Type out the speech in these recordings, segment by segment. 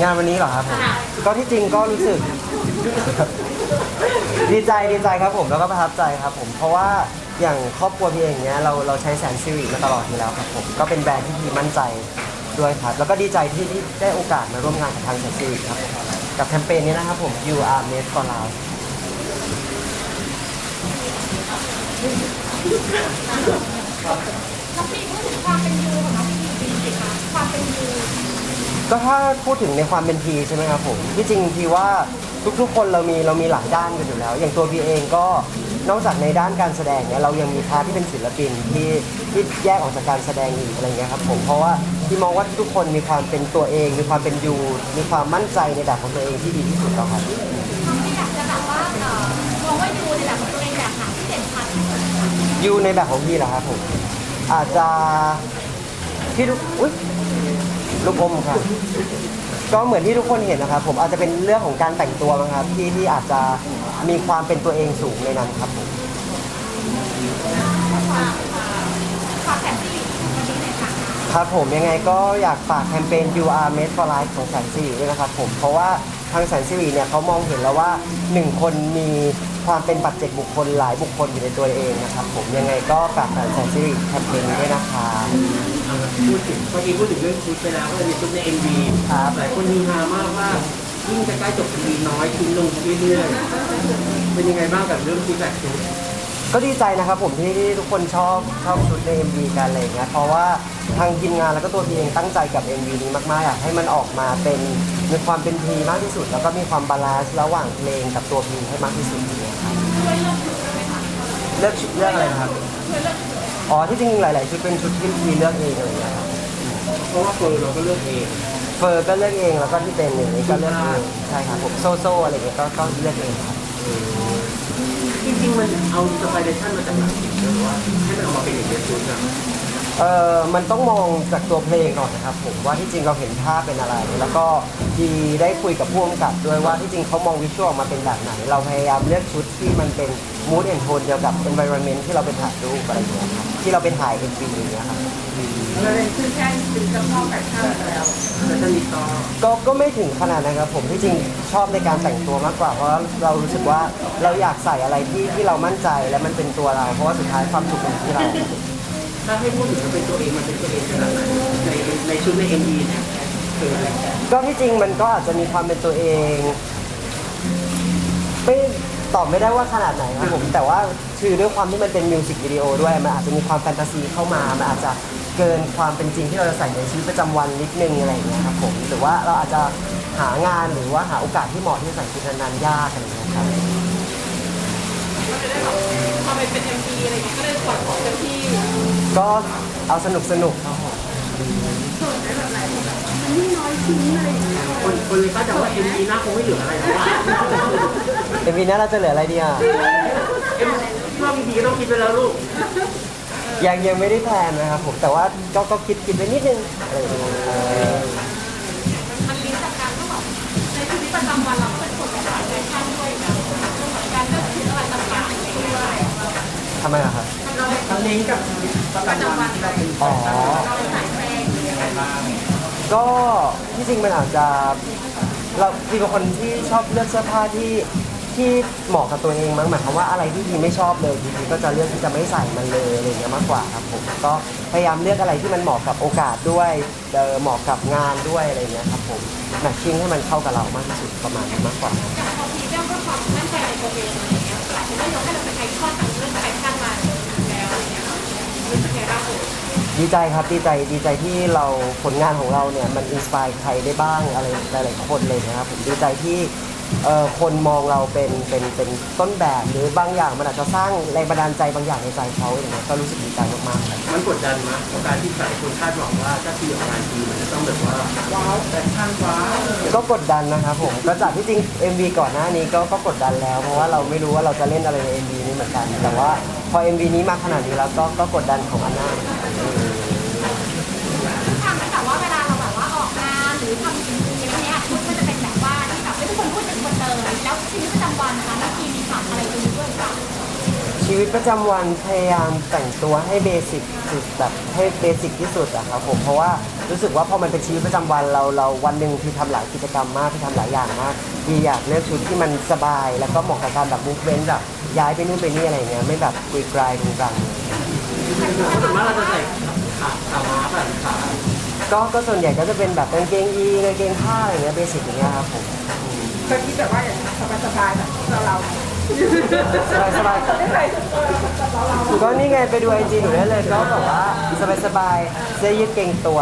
งานวันนี้เหรอครับผมก็ที่จริงก็รู้สึก ดีใจครับผมแล้วก็ประทับใจครับผมเพราะว่าอย่างครอบครัวพี่เองเนี้ยเราใช้แสนสิริมาตลอดอยู่แล้วครับผมก็เป็นแบรนด์ที่พี่มั่นใจด้วยครับแล้วก็ดีใจที่ได้โอกาสมาร่วมงานกับทางแสนสิริครับผมกับแคมเปญนี้นะครับผม You Are Made for Life น้องปีพูดถึงความเป็นยูของน้องปีสิคะความเป็นยูก็ถ้าพูดถึงในความเป็นพีใช่ไหมครับผมที่จริงพีว่าทุกๆคนเรามีหลายด้านกันอยู่แล้ว อย่างตัวพีเองก็นอกจากในด้านการแสดงเนี่ยเรายังมีพาร์ทที่เป็นศิลปินที่แยกออกจากการแสดงอีกอะไรเงี้ยครับผมเพราะว่าพี่มองว่าทุกคนมีความเป็นตัวเองมีความเป็นยูมีความมั่นใจในแบบของตัวเองที่ดีที่สุดแล้วครับน้องปีอยากจะแบบว่ามองว่ายูในแบบของตัวเองแบบไหนที่เด่นชัดที่สุดคะยูในแบบของพี่เหรอครับผมอาจจะที่อุ๊ยลูกอมครับก็เหมือนที่ทุกคนเห็นนะครับผมอาจจะเป็นเรื่องของการแต่งตัวมั้งครับที่อาจจะมีความเป็นตัวเองสูงในนั้นครับผมความแสนสิริวันนี้เลยค่ะครับผมยังไงก็อยากฝากแคมเปญ You Are Made for Life ของแสนสิริด้วยนะครับผมเพราะว่าทางแสนสิริเนี่ยเขามองเห็นแล้วว่า1คนมีความเป็นปัจเจกบุคคลหลายบุคคลอยู่ในตัวเองนะครับผมยังไงก็ฝากแสนสิริแคมเปญนี้ด้วยนะครับพูดถึงเมื่อกี้พูดถึงเรื่องชุดไปแล้วก็จะมีชุดใน MV ครับหลายคนมีฮามากว่ายิ่งจะใกล้จบ MV น้อยชิ้นลงเรื่อยๆเป็นยังไงบ้างกับเรื่องฟีดแบ็กชุดก็ดีใจนะครับผมที่ทุกคนชอบชุดใน MV กันอะไรอย่างเงี้ยเพราะว่าทางทีมงานแล้วก็ตัวพีเองตั้งใจกับ MV นี้มากๆอยากให้มันออกมาเป็นมีความเป็นพีมากที่สุด แล้วก็มีความบาลานซ์ระหว่างเพลงกับตัวพีให้มากที่สุดอย่างเงี้ยครับเลือกชุดเลือกอะไรนะครับอ๋อที่จริงหลายๆชุดเป็นชุดที่พีเลือกเองอะไรอย่างเงี้ยครับเพราะว่าเฟิร์นเราก็เลือกเองเฟอร์ก็เลือกเองแล้วก็ที่เป็นอย่างนี้ก็เลือกเองใช่ครับผมโซ่อะไรอย่างเงี้ยก็เลือกเองครับจริงๆมันเอาอินสปิเรชันมาจากไหนหรือว่าให้มันออกมาเป็นอย่างนี้ชุดอะมันต้องมองจากตัวเพลงก่อนนะครับผมว่าที่จริงเราเห็นภาพเป็นอะไรแล้วก็ดีได้คุยกับผู้กำกับด้วยว่าที่จริงเขามองวิชวลออกมาเป็นแบบไหนเราพยายามเลือกชุดที่มันเป็น mood and tone เดียวกับ environment ที่เราไปถ่ายรูปอะไรอย่างเงี้ยครับที่เราไปถ่าย MV อย่างเงี้ยครับเลยคือแค่เป็นเจ้าพ่อแฟชั่นแล้วแล้วจะมีก็ไม่ถึงขนาดนั้นครับผมที่จริงชอบในการแต่งตัวมากกว่าเพราะเรารู้สึกว่าเราอยากใส่อะไรที่เรามั่นใจและมันเป็นตัวเราเพราะว่าสุดท้ายความสุขเป็นที่เราถ้าให้พูดถึงเป็นตัวเองมันเป็นตัวเองขนาดไหนในชุดใน MV เนี่ยคืออะไรก็ที่จริงมันก็อาจจะมีความเป็นตัวเองไม่ตอบไม่ได้ว่าขนาดไหนครับผมแต่ว่าคือด้วยความที่มันเป็นมิวสิกวิดีโอด้วยมันอาจจะมีความแฟนตาซีเข้ามามันอาจจะเกินความเป็นจริงที่เราจะใส่ในชีวิตประจำวันนิดนึงอะไรอย่างเงี้ยครับผมหรือว่าเราอาจจะหางานหรือว่าหาโอกาสที่เหมาะที่จะใส่ชุดนั้นๆยากอะไรอย่างเงี้ยครับก็จะได้แบบพอเป็น MV อะไรอย่างเงี้ยก็เลยปล่อยของเต็มที่ก็เอาสนุกครับผมส่วนในแบบไหนแบบมันยิ่งน้อยชิ้นอะไรอย่างเงี้ยคนเลยก็จะว่า MV หน้าคงไม่เหลืออะไรแล้วว่า MV นี้เราจะเหลืออะไรดีอ่ะว่ามีพีก็ต้องคิดไปแล้วลูกยังไม่ได้แพลนนะครับผมแต่ว่าก็คิดไปนิดนึงอะไรอย่างเงี้ยมันลิงก์จากการที่แบบในชีวิตประจำวันเราเป็นคนแบบแฟชั่นด้วยนะการเลือกชุดอะไรต่างๆอย่างเงี้ยด้วยทำไมอะครับมันลิงก์กับประจำวันที่เราเป็นเราเป็นสายแฟร์ยังไงบ้างก็ที่จริงมันอาจจะเราพี่เป็นคนที่ชอบเลือกเสื้อผ้าที่เหมาะกับตัวเองมั้งหมายความว่าอะไรที่พี่ไม่ชอบเลยพี่ก็จะเลือกที่จะไม่ใส่มันเลยอะไรอย่างเงี้ยมากกว่าครับผมก็พยายามเลือกอะไรที่มันเหมาะกับโอกาสด้วยเหมาะกับงานด้วยอะไรอย่างเงี้ยครับผมแมทชิ่งให้มันเข้ากับเรามากที่สุดประมาณนั้นมากกว่าอย่างพอพีเรื่องเพื่อความมั่นใจในตัวเองอะไรอย่างเงี้ยหลายคนก็ยกให้เราเป็นไอคอนทางเรื่องแฟชั่นมาแล้วอะไรเงี้ยรู้สึกไงบ้างดีใจครับดีใจที่เราผลงานของเราเนี่ยมันอินสปายใครได้บ้างอะไรหลายๆคนเลยนะครับผมดีใจที่คนมองเราเป็นต้นแบบหรือบางอย่างมันอาจจะสร้างแรงบันดาลใจบางอย่างในใจเขาอย่างเงี้ยก็รู้สึกดีใจมากๆมันกดดันมั้ยการที่หลายคนคาดหวังว่าถ้าทีออกงานทีมันจะต้องแบบว่าว้าวแฟชั่นว้าวก็กดดันนะครับผมก็จากที่จริง MV ก่อนหน้านี้ก็กดดันแล้วเพราะว่าเราไม่รู้ว่าเราจะเล่นอะไรใน MV นี้เหมือนกันแต่ว่าพอ MV นี้มาขนาดนี้แล้วก็กดดันของอันน่าทำให้แบบว่าเวลาเราแบบว่าออกงานหรือทำสิ่งอะไรเงี้ยชุดก็จะเป็นแบบว่าที่แบบไม่ทุกคนพูดถึงคนเลยแล้วชีวิตประจำวันนะคะบางทีมีฝากอะไรตรงนี้ด้วยหรือเปล่าชีวิตประจำวันพยายามแต่งตัวให้เบสิกสุดแบบให้เบสิกที่สุดอะครับผมเพราะว่ารู้สึกว่าพอมันเป็นชีวิตประจำวันเราวันหนึ่งที่ทำหลายกิจกรรมมากที่ทำหลายอย่างมากที่อยากเลือกชุดที่มันสบาย แล้วก็เหมาะกับการแบบมูฟเมนต์แบบย้ายไปนู่นไปนี่อะไรเงี้ยไม่แบบกุยกรายตรงกลางเพราะส่วนมากเราจะใส่ขาม้าแบบขาก็ส่วนใหญ่ก็จะเป็นแบบกางเกงยีนกางเกงผ้าอะไรเงี้ยเบสิกอย่างเงี้ยครับผมเคยคิดแบบว่าอย่างสบายๆแบบเราสบายไม่เคยเราก็นี่ไงไปดูไอจีหนูได้เลยก็แบบว่าสบายเสื้อยืดเกงตัว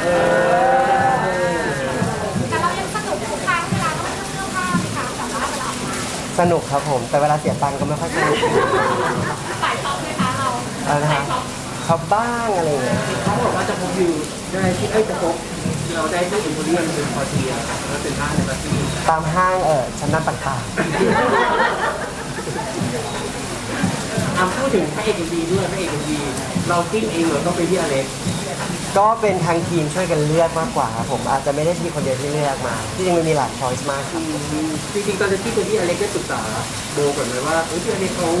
แต่เรายังสนุกทุกครั้งเวลาต้องเสื้อผ้าไหมคะแต่ว่าเวลาออกมาสนุกครับผม แต่เวลาเสียตังค์ก็ไม่ค่อยสนุกใส่ท็อปไหมคะเราอะไรนะใส่ฮะท็อปชอบบ้างอะไรอย่างเงี้ยเขาบอกว่าจะพบวิวได้ที่จะพบเราได้ที่อินโพเรียมเป็นพอเทียแล้วเป็นห้างในปาร์ตี้ตามห้างชั้นนำต่างพูดถึงพระเอกเอ็มดีด้วยพระเอกเอ็มดีเราติ้งเองเหรอต้องไปที่อเล็กๆก็เป็นทางทีมช่วยกันเลือกมากกว่าครับผมอาจจะไม่ได้ทีคนเดียวที่เลือกมา ที่จริงมันมีหลายช้อยส์มากครับจริงๆตอนที่ไปที่อเล็กได้ปรึกษาโบก่อนไหมว่าที่อเล็กเขา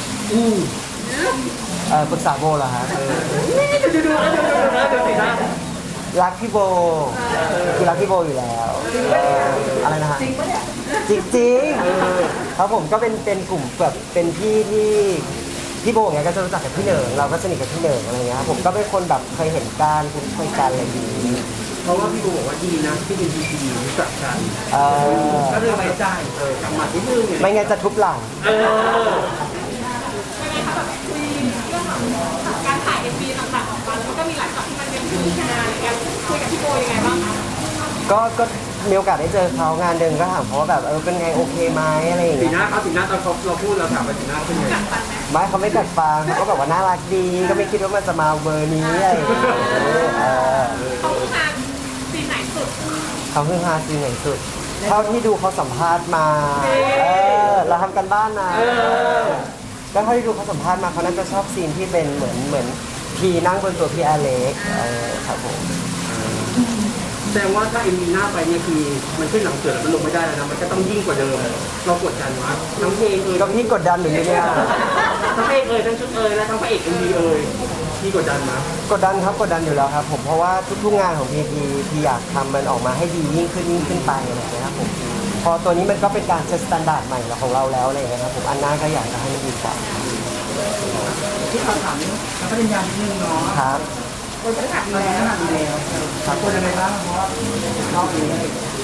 ปรึกษาโบเหรอฮะดูสินะรักพี่โบคือรักพี่โบอยู่แล้วอะไรนะฮะจริงปะเนี่ยจริงๆครับผมก็เป็นกลุ่มแบบเป็นพี่ที่พี่โบเนี่ยก็จะรู้จักกับพี่เหนิงเราก็สนิทกับพี่เหนิงอะไรเงี้ยครับผมก็เป็นคนแบบเคยเห็นการคุ้นเคยกันอะไรอย่างนี้เพราะว่าพี่โบบอกว่าดีนะที่เป็นพีดีรู้จักกันเออก็เลยไว้ใจกลับมาที่นึงไม่งั้นจะทุบหลังยังไงคะแบบคุยเรื่องของการถ่าย MV ต่างๆออกมาแล้วมันก็มีหลายช็อตที่มันเป็นพิธีการอะไรเงี้ยคุยกับพี่โบยังไงบ้างคะก็มีโอกาสได้เจอเขางานเดินก็ถามเขาว่าแบบเป็นไงโอเคไหมอะไรอย่างสีเงี้ยหน้าเขาสีหน้าตอนเราพูดเราถามไปสีหน้าเป็นไงไม่เขาไม่กัดฟังเขาก็แบบว่าน่ารักดีก็ไม่คิดว่ามันจะมาเบอร์นี้อะไรอย่างเงี้ยเขาคืองานซีนไหนสุดเขาเพิ่งฮาซีนไหนสุดเท่าที่ดูเขาสัมภาษณ์มาเราทำกันบ้านนะแล้วเท่าที่ดูเขาสัมภาษณ์มาเขาน่าจะชอบซีนที่เป็นเหมือนพีนั่งบนตัวพี่อเล็กครับผมแสดงว่าถ้าเอ็มวีหน้าไปเนี่ยคือมันขึ้นหลังเสือแล้วมันลงไม่ได้แล้วนะมันก็ต้องยิ่งกว่าเดิมเรากดดันวะทั้งเพลงก็พี่กดดันหรือเนี่ยทั้งเพลงทั้งชุดและทั้งพระเอกเอ็มวีพี่กดดันนะกดดันครับกดดันอยู่แล้วครับผมเพราะว่าทุกๆงานของพีอยากทำมันออกมาให้ดียิ่งขึ้นไปอะไรอย่างเงี้ยครับผมพอตัวนี้มันก็เป็นการเซตมาตรฐานใหม่ของเราแล้วอะไรอย่างเงี้ยครับผมอันหน้าก็อยากจะให้มันดีกว่าที่เขาถามนักปริญญานิดนึงเนาะครับคนไม่ขัดอยู่แล้วดีแล้วคนยังไงบ้างเพราะว่ารอบนี้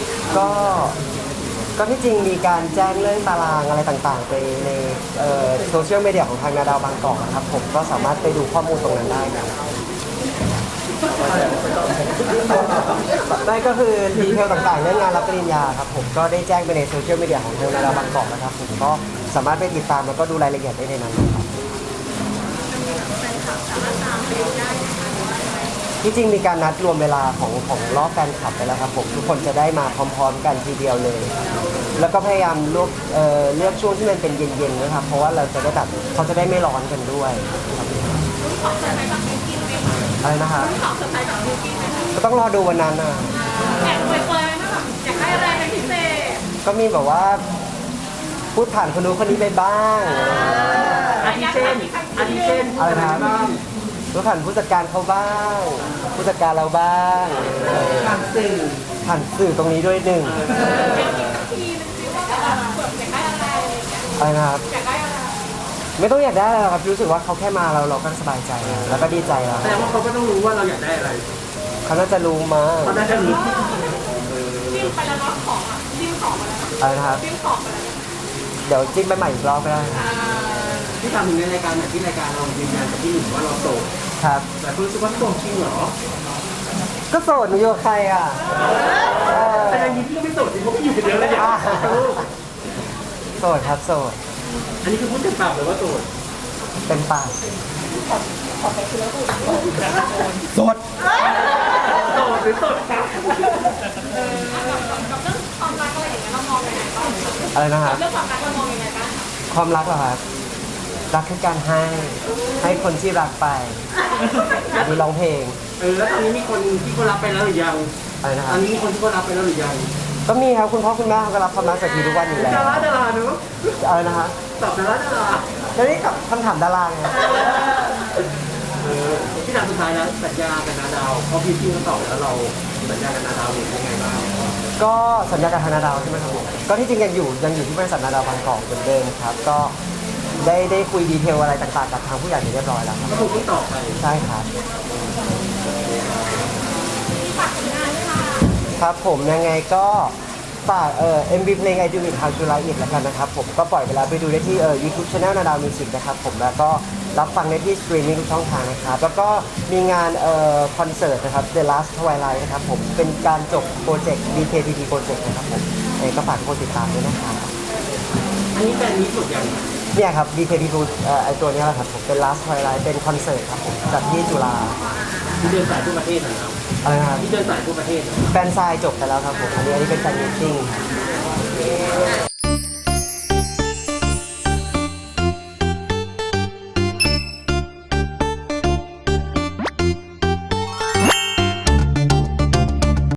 ก็ที่จริงมีการแจ้งเรื่องตารางอะไรต่างๆไปในโซเชียลมีเดียของทางนาดาวบางกอกนะครับผมก็สามารถไปดูข้อมูลตรงนั้นได้ครับได้ก็คือดีเทลต่างๆเรื่องงานรับปริญญาครับผมก็ได้แจ้งไปในโซเชียลมีเดียของทางนาดาวบางกอกนะครับผมก็สามารถไปติดตามแล้วก็ดูรายละเอียดได้ในนั้นครับที่จริงมีการนัดรวมเวลาของรอบการขับไปแล้วครับผมทุกคนจะได้มาพร้อมๆกันทีเดียวเลย แล้วก็พยายามเลือกช่วงที่มันเป็นเย็นๆนะครับเพราะว่าเราจะได้แบบเขาจะได้ไม่ร้อนกันด้วยครับของเซอร์ไพรส์กับบิวกิ้นไหมคะอะไรนะครับของเซอร์ไพรส์กับบิวกิ้นไหมคะก็ต้องรอดูวันนั้นนะแอบเปรยๆนะแบบอยากได้อะไรเป็นพิเศษก็มีแบบว่าพูดผ่านคนนู้นคนนี้ไปบ้างอาทิเช่นอะไรนะครับพูดผ่านผู้จัดการเขาบ้าง ผู้จัดการเราบ้างทางสื่อผ่านสื่อตรงนี้ด้วยหนึ่งทีนึงซิว่าแบบอยากได้อะไรอะไรอย่างเงี้ยอะไรนะครับอยากได้อะไรไม่ต้องอยากได้อะไรหรอกครับรู้สึกว่าเขาแค่มาเราก็สบายใจแล้วแล้วก็ดีใจแล้วแสดงว่าเขาก็ต้องรู้ว่าเราอยากได้อะไรเขาน่าจะรู้มาเขาได้แค่รู้จิ้มไปแล้วเนาะของอ่ะจิ้มของไปแล้วอะไรนะครับจิ้มของไปแล้วเดี๋ยวจิ้มไปใหม่อีกรอบก็ได้ที่ทำถึงในรายการที่รายการเรายืนยันกับพี่หนุ่มว่าเราโสดครับแต่รู้สึกว่าโสดจริงเหรอก็โสดหนูอยู่กับใครอ่ะแต่ในนี้พี่ก็ไม่โสดจริงเพราะพี่อยู่คนเดียวเลยเนี่ยโสดครับโสดอันนี้คือพูดเต็มปากเลยว่าโสดเป็นปากโสดโสดหรือโสดครับกับเรื่องความรักอะไรอย่างเงี้ยเรามองยังไงบ้างอะไรนะครับเรื่องความรักเรามองยังไงบ้างความรักเหรอครับรักคือการให้คนที่รักไปดูร้องเพลงแล้วตอนนี้มีคนที่เขารับไปแล้วหรือยังอะไรนะคตรัอบ นนี้มีคนที่เขารับไปแล้วหรือยังก็มีครับคุณพ่อคุณแม่เขาก็รับความรักจากทีทุกวันอยู่แล้วดาราเนอะอะไรนะฮะตอบดาราแล้วนี่กับคำถามดาราไงที่ถามสุดท้ายแล้วสัญญากับนาดาวพอพี่เขาตอบแล้วเราสัญญากับนาดาวเป็นยังไงบ้างก็สัญญากับทางนาดาวใช่ไหมครับผมก็ที่จริงยังอยู่ที่บริษัทนาดาวบางกอกเหมือนเดิมครับก็ได้คุยดีเทลอะไรต่างๆกับทางผู้ใหญ่เรียบร้อยแล้วครับก็คงต้องตอบไปใช่ครับครับผมยังไงก็ฝากMV เพลง I Do It How You Like It แล้วกันนะครับผมก็ปล่อยไปแล้วไปดูได้ที่YouTube Channel นาดาวมิวสิกนะครับผมแล้วก็รับฟังได้ที่สตรีมมิ่งทุกช่องทางนะครับแล้วก็มีงานคอนเสิร์ตนะครับ The Last Twilight นะครับผมเป็นการจบโปรเจกต์ DKTT โปรเจกต์นะครับผมก็ฝากทุกคนติดตามด้วยนะครับอันนี้เป็นนี้สุดอย่างเนี่ยครับ DKTT ไอตัวเนี้ยแหละครับผมเป็น Last Twilight เป็นคอนเสิร์ตครับผมจัดที่จุฬาที่เดินสายทั่วประเทศนะครับอะไรนะครับที่เดินสายทั่วประเทศแฟนซายจบไปแล้วครับผมอันนี้เป็นแฟนมิทติ้งครับ